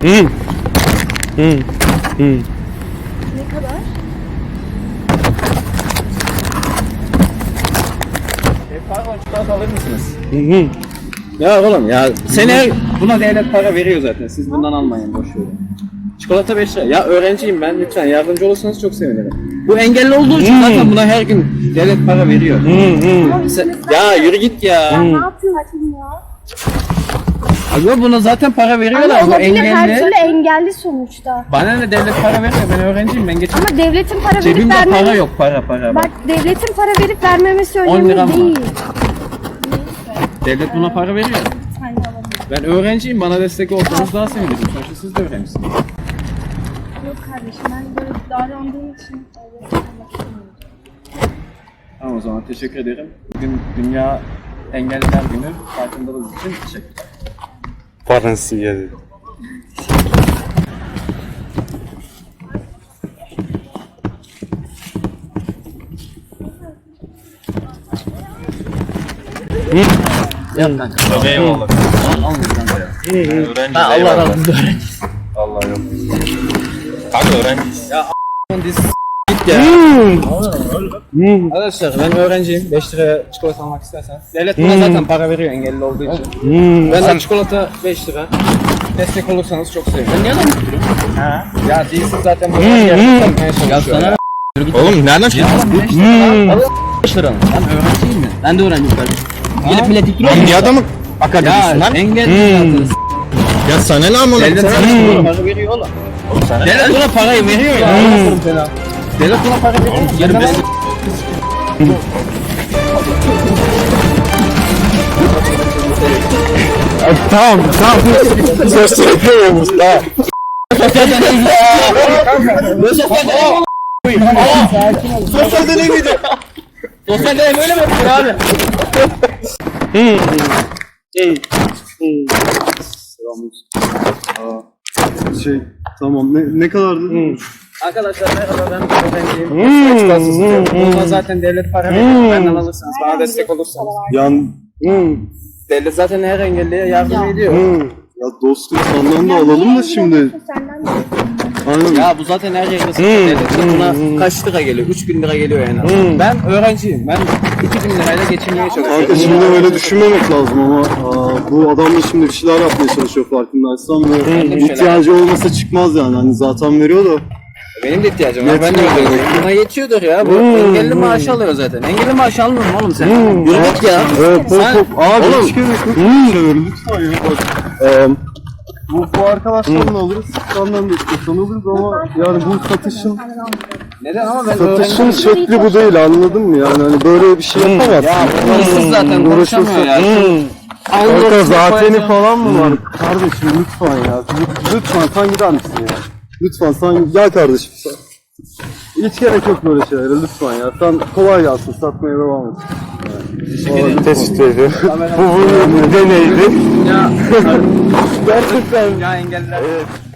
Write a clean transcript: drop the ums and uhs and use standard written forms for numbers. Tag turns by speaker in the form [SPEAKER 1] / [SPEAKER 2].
[SPEAKER 1] Ne kadar?
[SPEAKER 2] Pardon, çikolata alır mısınız? Ya oğlum ya, sene buna devlet para veriyor zaten. Siz bundan almayın, boş verin. Çikolata 5 lira. Ya öğrenciyim ben, lütfen yardımcı olursanız çok sevinirim. Bu engelli olduğu için zaten buna her gün devlet para veriyor. Ya yürü git ya.
[SPEAKER 1] Ne yapıyorsun ya?
[SPEAKER 2] Abi buna zaten para veriyorlar.
[SPEAKER 1] Ama
[SPEAKER 2] Bu
[SPEAKER 1] olabilir, her
[SPEAKER 2] engelli.
[SPEAKER 1] türlü engelli sonuçta.
[SPEAKER 2] Bana ne devlet para veriyor, ben öğrenciyim, ben geçim.
[SPEAKER 1] Ama devletin para verip
[SPEAKER 2] Cebimde para
[SPEAKER 1] vermemesi...
[SPEAKER 2] yok, para.
[SPEAKER 1] Bak devletin para verip vermemesi
[SPEAKER 2] 10 lira
[SPEAKER 1] önemli
[SPEAKER 2] mı?
[SPEAKER 1] değil.
[SPEAKER 2] Devlet buna para veriyor.
[SPEAKER 1] Sen de alabilirsin.
[SPEAKER 2] Ben öğrenciyim, bana destek olsanız daha sevinirim. Sonuçta siz de öğrencisiniz.
[SPEAKER 1] Yok kardeşim, ben böyle davrandığım için öyle yapmak istemiyorum.
[SPEAKER 2] Tamam, o zaman teşekkür ederim. Bugün Dünya Engelliler Günü, farkındalığınız için teşekkürler.
[SPEAKER 3] Parası geldi.
[SPEAKER 2] Yap kanka.
[SPEAKER 3] Tabii eyvallah.
[SPEAKER 2] Almayın kanka ya.
[SPEAKER 3] Öğrenciyiz.
[SPEAKER 2] Allah
[SPEAKER 3] eyvallah.
[SPEAKER 2] razı olsun, öğrenciyiz.
[SPEAKER 3] Allah yok. Kanka öğrenciyiz.
[SPEAKER 2] Diz git ya. Arkadaşlar ben öğrenciyim. 5 liraya çikolata almak istersen. Devlet buna zaten para veriyor engelli olduğu için. Ben de çikolata 5 lira. Destek olursanız çok sevinirim. Ben niye adam tutuyorum? Ha. Ya değilsin zaten böyle yer tutmaya çalışıyor. Ya
[SPEAKER 3] Oğlum nereden çıktın?
[SPEAKER 2] 5 lira. 5 lira. Ben öğrenciyim mi? Ben de öğrenciyim kardeşim. Gelip millet ikiyor.
[SPEAKER 3] Hangi adamı
[SPEAKER 2] Ya
[SPEAKER 3] akademisi lan?
[SPEAKER 2] engelli zaten.
[SPEAKER 3] Ya sana ne amına?
[SPEAKER 2] Devlet sana para veriyor oğlum. Devlet buna parayı veriyor ya. Devlet buna para veriyor. Yarın ben...
[SPEAKER 3] Tamam. Söz söylemiyormuş tamam. Sosyal deney miydi?
[SPEAKER 2] Sosyal deney böyle mi yapıyor abi?
[SPEAKER 4] Tamam ne kadardı?
[SPEAKER 2] Arkadaşlar merhaba, ben öğrenciyim. Açıkçası tutuyorum. Buna zaten devlet para veriyor. Benden alırsanız, bana destek olursanız. Devlet zaten her engelliye yardım ediyor.
[SPEAKER 4] Ya dostum senden de alalım da şimdi.
[SPEAKER 1] Senden de.
[SPEAKER 4] Aynen.
[SPEAKER 2] Ya bu zaten her yerde satıyor. Devlet buna kaç lira geliyor? 3000 lira geliyor en az. Ben öğrenciyim. Ben 2000 lirayla geçinmeye çalışıyorum.
[SPEAKER 4] Kanka şimdi öyle düşünmemek lazım ama bu adam da şimdi bir şeyler yapmaya çalışıyor farkındaysan ve ihtiyacı olmasa çıkmaz yani. Hani zaten veriyor da.
[SPEAKER 2] Benim de ihtiyacım var. Ben de
[SPEAKER 4] Yetmiyor.
[SPEAKER 2] öğrenciyim. Buna yetiyordur ya. Bu engelli maaşı alıyor zaten. Engelli maaşı almıyor mu oğlum sen? Yürü git ya. Sen...
[SPEAKER 4] Abi
[SPEAKER 2] Oğlum.
[SPEAKER 4] hiç gerek yok. Şöyle lütfen ya bak. Bu arkadaşlarla alırız, senden de istiyorsan alırız ama yani bu satışın
[SPEAKER 2] Neden ama ben
[SPEAKER 4] satışın
[SPEAKER 2] öğrenciyim.
[SPEAKER 4] şekli bu değil, anladın mı yani hani böyle bir şey yapamazsın.
[SPEAKER 2] Ya bu hırsız zaten konuşamıyor ya.
[SPEAKER 4] Kanka zateni falan mı var? Kardeşim lütfen ya. Lütfen sen gider misin ya? Lütfen sen gel kardeşim sen. Hiç gerek yok böyle şeylere lütfen ya. Sen kolay gelsin, satmaya devam et.
[SPEAKER 3] Tespit ediyor. Bu deneydi.
[SPEAKER 2] Ya
[SPEAKER 4] Gerçekten.
[SPEAKER 2] ya engelliler.